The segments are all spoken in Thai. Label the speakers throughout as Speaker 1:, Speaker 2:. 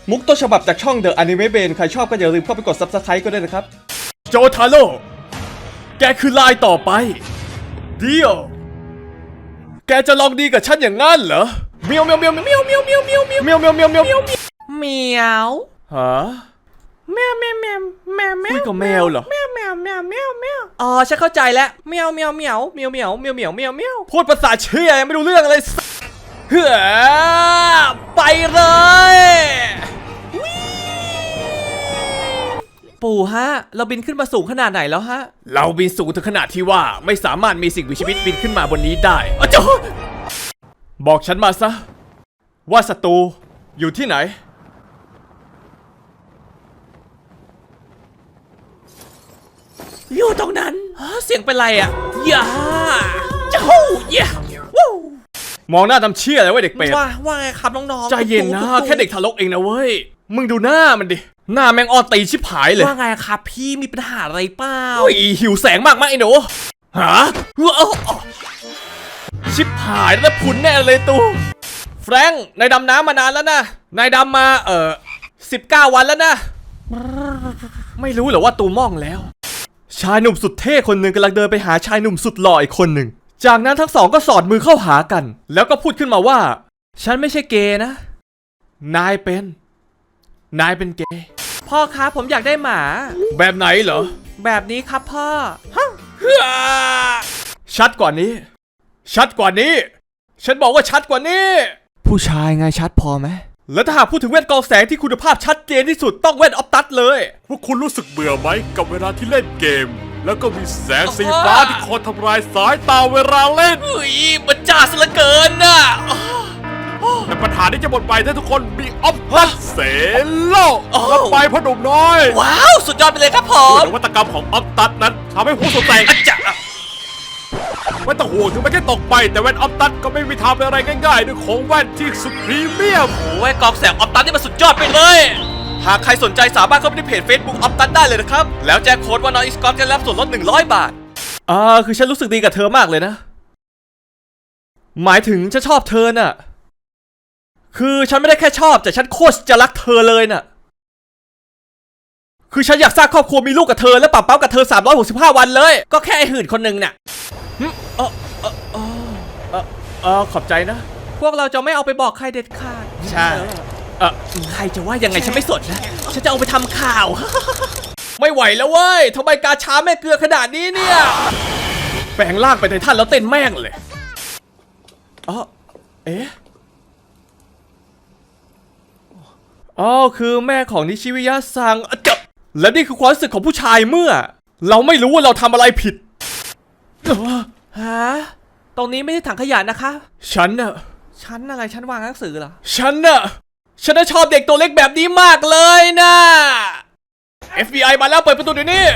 Speaker 1: มุกต้นฉบับจากช่อง The Anime Brain ใครชอบก็อย่าลืมเข้าไปกด Subscribe ก็ได้นะครับโจทาโร่แกคือลายต่อไปเดียวแกจะลองดีกับฉันอย่างงั้นเหรอเมียวเมียวเมียวเมียวเมียวเมียวเมียวเมียวเมียวเมียวเมียวเมียวเมียว
Speaker 2: เหมียว
Speaker 1: ฮะ
Speaker 2: แมวแมวแมวแมวแมว
Speaker 1: คุยกับแมวเหรอ
Speaker 2: แมวแมวแมวแมวแมวอ๋อฉันเข้าใจแล้วแมวแมวแมวแมวแมวแมวแมวแมวแมว
Speaker 1: พูดภาษาเชี่ยยังไม่รู้เรื่องอะไรเฮ้อไปเลย
Speaker 2: ปู่ฮะเราบินขึ้นมาสูงขนาดไหนแล้วฮะ
Speaker 1: เราบินสูงถึงขนาดที่ว่าไม่สามารถมีสิ่งมีชีวิตบินขึ้นมาบนนี้ได้อ้าวบอกฉันมาซะว่าศัตรูอยู่ที่ไหน
Speaker 2: อยู่ตรงนั้นเสียงเป็นไรอ่ะย่าจ้าย่
Speaker 1: ามองหน้าทำเชี่ยอะไรวะเด็กเป็ด
Speaker 2: ว่าไงครับน้องๆ
Speaker 1: ใจเย็นนะแค่เด็กทารกเองนะเว้ยมึงดูหน้ามันดิหน้าแมงออนตีชิบหายเลย
Speaker 2: ว่าไงครับพี่มีปัญหาอะไรเปล่า
Speaker 1: หิวแสงมากมั้ยไอ้หนูฮะชิบหายแล้วพุนแน่เลยตูแฟรงค์นายดำน้ำมานานแล้วนะนายดำมา19 วันแล้วนะไม่รู้เหรอว่าตูม่องแล้วชายหนุ่มสุดเท่คนหนึ่งกำลังเดินไปหาชายหนุ่มสุดหล่ออีกคนหนึ่งจากนั้นทั้งสองก็สอดมือเข้าหากันแล้วก็พูดขึ้นมาว่าฉันไม่ใช่เกย์นะนายเป็นเกย์
Speaker 2: พ่อครับผมอยากได้หมา
Speaker 1: แบบไหนเหรอ
Speaker 2: แบบนี้ครับพ่อ
Speaker 1: ชัดกว่านี้ฉันบอกว่าชัดกว่านี้ผู้ชายไงชัดพอไหมแล้วถ้าหากพูดถึงแว่นกรองแสงที่คุณภาพชัดเจนที่สุดต้องแว่นออฟตัสเลย
Speaker 3: พวกคุณรู้สึกเบื่อไหมกับเวลาที่เล่นเกมแล้วก็มีแสงสีฟ้าที่คอยทำลายสายตาเวลาเล่น
Speaker 2: มันจ้าซะเหลือเกินน่ะ
Speaker 3: แต่ปัญหาที่จะหมดไปถ้าทุกคนมีออฟตัสเซโลรับไปพ่อหนุ่มน้อย
Speaker 2: ว้าวสุดยอดไปเลยครับผม
Speaker 3: นวัตกรรมของออฟตัสนั้นทำให้ผู้สนใจไม่ต้องห่วงถึงไม่แค่ตกไปแต่แว่นออฟตัสก็ไม่มีทางเป็นอะไรง่ายๆด้วยของแว่นที่สุดพรีเมียม
Speaker 2: โอ้ยกองแสงออฟตัสนี่มันสุดยอดไปเลย
Speaker 1: หากใครสนใจสามารถเข้าไปที่เพจ Facebook ออฟตัสได้เลยนะครับแล้วแจ้งโค้ดว่าน้องอีสกอตจะรับส่วนลด100 บาทคือฉันรู้สึกดีกับเธอมากเลยนะหมายถึงฉันชอบเธอน่ะคือฉันไม่ได้แค่ชอบแต่ฉันโคตรจะรักเธอเลยน่ะคือฉันอยากสร้างครอบครัวมีลูกกับเธอและปะเป้ากับเธอ365 วันเลย
Speaker 2: ก็แค่ไอ้หื่นคนนึงน่ะ
Speaker 1: ขอบใจนะ
Speaker 2: พวกเราจะไม่เอาไปบอกใครเด็ดขาด
Speaker 1: ใช่
Speaker 2: ใครจะว่ายังไงฉันไม่สนนะฉันจะเอาไปทำข่าว
Speaker 1: ไม่ไหวแล้วเว้ยทำไมกาช้าแม่เกลือขนาดนี้เนี่ยแปลงร่างไปไททันแล้วเต้นแม่งเลยคือแม่ของนิชิวิยะซังและนี่คือความรู้สึกของผู้ชายเมื่อเราไม่รู้ว่าเราทำอะไรผิด
Speaker 2: ฮะตรงนี้ไม่ใช่ถังขยะนะคะ
Speaker 1: ฉัน
Speaker 2: อะไรฉันวางหนังสือเหรอ
Speaker 1: ฉันชอบเด็กตัวเล็กแบบนี้มากเลยนะ FBI มาแล้วเปิดประตูเดี๋ยวนี้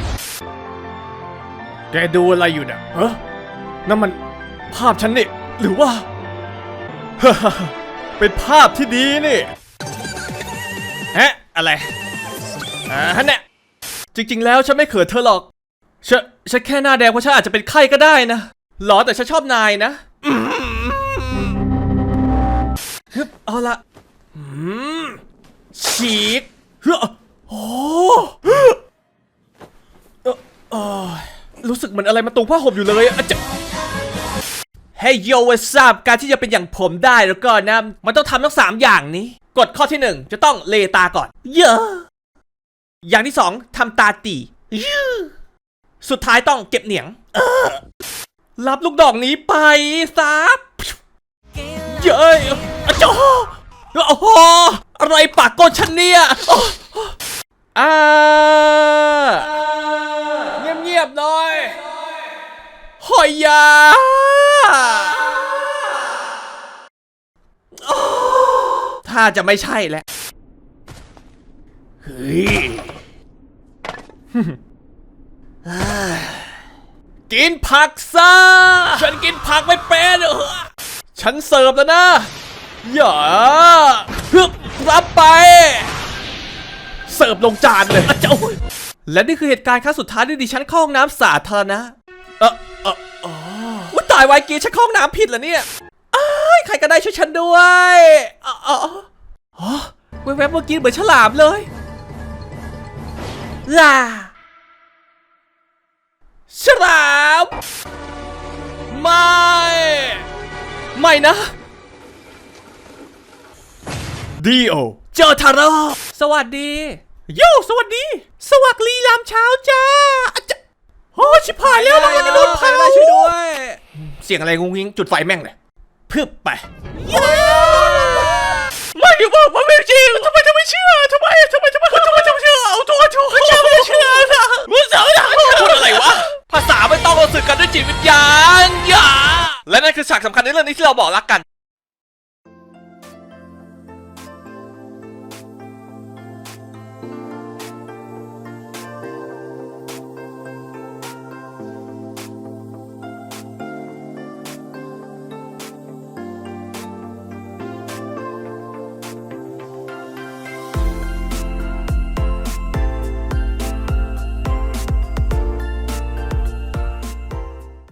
Speaker 1: แกดูอะไรอยู่เนี่ยนั่นมันภาพฉันนี่หรือว่า เป็นภาพที่ดีนี่อะไรเนี่ยจริงๆแล้วฉันไม่เขินเธอหรอกฉันแค่หน้าแดงเพราะฉันอาจจะเป็นไข้ก็ได้นะหรอแต่ฉันชอบนายนะเอาละฉีกรู้สึกเหมือนอะไรมาตรงผ้าห่มอยู่เลยเฮ้ยโยเวซาบการที่จะเป็นอย่างผมได้แล้วก็นะมันต้องทำทั้ง3 อย่างนี้กฎข้อที่1จะต้องเลตาก่อนอย่างที่2ทำตาตีสุดท้ายต้องเก็บเหนียงรับลูกดอกนี้ไปซับเย้ยโอ้โหอะไรปากก้นฉันเนี่ยเงียบๆหน่อยหอยยาถ้าจะไม่ใช่แหละเฮ้ยกินผักซะฉันกินผักไม่เป็นฉันเสิร์ฟแล้วนะอย่ารับไปเสิร์ฟลงจานเลยและนี่คือเหตุการณ์ครั้งสุดท้ายที่ดิฉันเข้าห้องน้ำสาธารณะว่าตายวายกีฉันเข้าห้องน้ำผิดเหรอเนี่ยใครก็ได้ช่วยฉันด้วยแวบๆเมื่อกี้เหมือนฉลามเลยล่าฉลามไม่นะ
Speaker 2: ดีโอ
Speaker 1: เจอทาโร่สวัสดีโย่สวัสดี สวัสดียามเช้าจ้าอะจ๊ะโอ้ชิบหายแล้วเราจะโดนเผาช่วยด้วย เสียงอะไรงุ้งงิ้งจุดไฟแม่งเลยพึบไปไม่บอกว่าไม่จริงทำไมไม่เชื่อทำไมเชื่อเอาตัวถูกจะไม่เชื่อนะมึงเสือนะพูดอะไรวะภาษาไม่ต้องเราสื่อกันด้วยจิตวิญญาณอย่าและนั่นคือฉากสำคัญในเรื่องนี้ที่เราบอกรักกัน